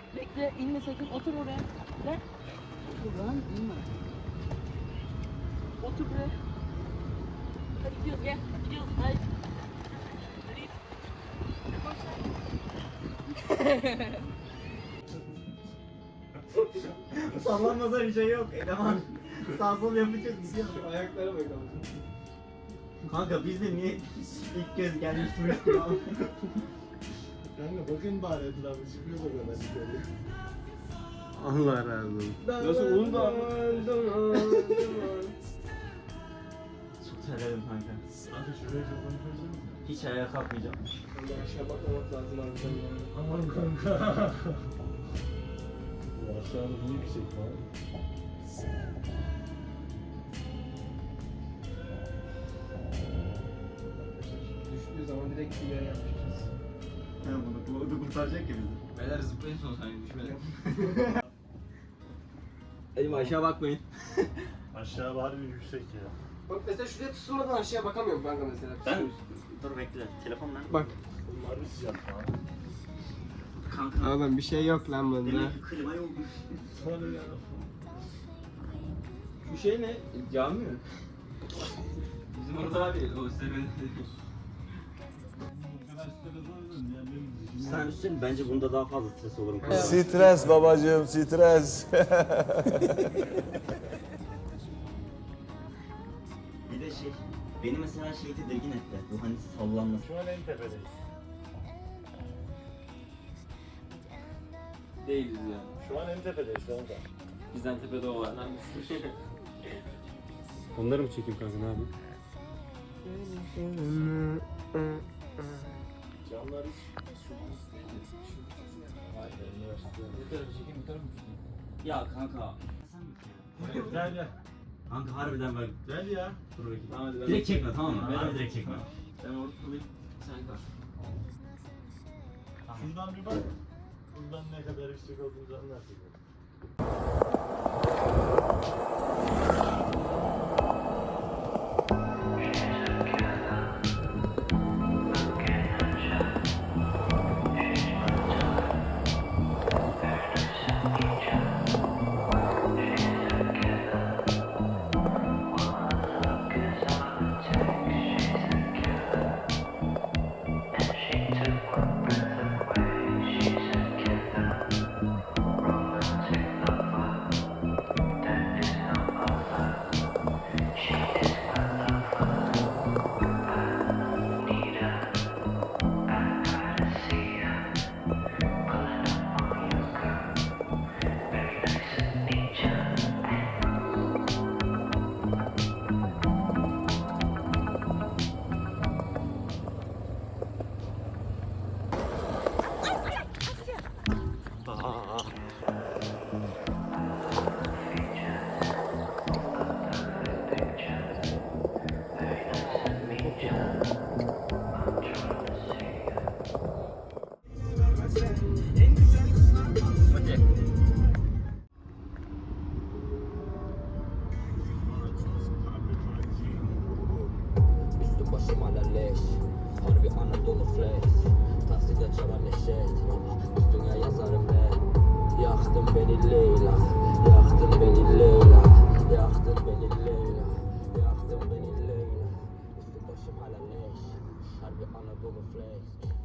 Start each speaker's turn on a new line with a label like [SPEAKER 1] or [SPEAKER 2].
[SPEAKER 1] Bekle, inme sakın. Otur oraya. Gel. Otur lan, inme. Otur buraya. Hadi gidiyoruz, gel. Gidiyoruz, haydi.
[SPEAKER 2] Sallanmasa bir şey yok. Eleman sağ sol yapacağız gidiyor.
[SPEAKER 3] Ayaklara bakalım.
[SPEAKER 2] Kanka biz de niye ilk kez gelmiş turist gibi abi?
[SPEAKER 3] Kanka bakın bari etrafı çıkıyor da kadar çıkıyor.
[SPEAKER 4] Allah razı olsun.
[SPEAKER 3] Nasıl onu da
[SPEAKER 2] Çok terledim kanka.
[SPEAKER 3] Kanka şuraya çok konuşuyorsun.
[SPEAKER 2] Hiç ayağa kalkmayacağım.
[SPEAKER 3] Kanka aşağı bakmamak lazım harbiden.
[SPEAKER 4] Aman kanka. Bu aşağıda bu yüksek var.
[SPEAKER 3] Düştüğü zaman direkt bir yere yapacağız.
[SPEAKER 2] He bunu kurtaracak ya bizi.
[SPEAKER 5] Beyler zıplayın son saniye düşmedim.
[SPEAKER 2] Elim aşağı bakmayın.
[SPEAKER 4] Aşağı var bir yüksek ya.
[SPEAKER 3] Bak mesela şuraya tutulmadan aşağıya bakamıyorum kanka mesela.
[SPEAKER 2] Ben dur bekle. Telefon nerede?
[SPEAKER 3] Bak.
[SPEAKER 4] Bunlar bir sıcak falan.
[SPEAKER 2] Kanka.
[SPEAKER 3] Oğlum bir şey yok lan bunda.
[SPEAKER 2] Demek ki klima yok.
[SPEAKER 4] Hadi ya.
[SPEAKER 5] Bu şey ne? Cami mi? Bizim orada var ya o senin.
[SPEAKER 2] Sen üstün bence bunda daha fazla stres olurum.
[SPEAKER 6] Stres babacığım, stres.
[SPEAKER 2] Bir de şey, beni mesela şey tedirgin etti. Bu hani sallanması.
[SPEAKER 4] Şu an en tepedeyiz.
[SPEAKER 5] Değiliz yani.
[SPEAKER 4] Şu an en tepedeyiz kanka.
[SPEAKER 5] Bizden tepede o var.
[SPEAKER 7] Onları mı çekeyim kanka, ne yapayım?
[SPEAKER 4] Camlar hiç su değil. Vay be, üniversite.
[SPEAKER 2] Ya kanka.
[SPEAKER 4] Gel gel.
[SPEAKER 2] Kanka harbiden bak.
[SPEAKER 4] Gel ya.
[SPEAKER 2] Dur bakayım.
[SPEAKER 5] Tamam hadi ben.
[SPEAKER 2] Direkt çekme tamam mı? Harbi direkt çekme.
[SPEAKER 5] Ben orada kalayım. Sen kal.
[SPEAKER 4] Şuradan bir bak. Buradan ne kadar yüksek olduğumuzu anlarsın.
[SPEAKER 8] Üstüm başım hala leş. Harbi Anadolu flex. Takside çalar neşet. Üstüne yazarım ne? Yaktın beni Leyla. Yaktın beni Leyla. Yaktın beni Leyla. Yaktın beni Leyla. Üstüm başım hala leş. Harbi Anadolu flex.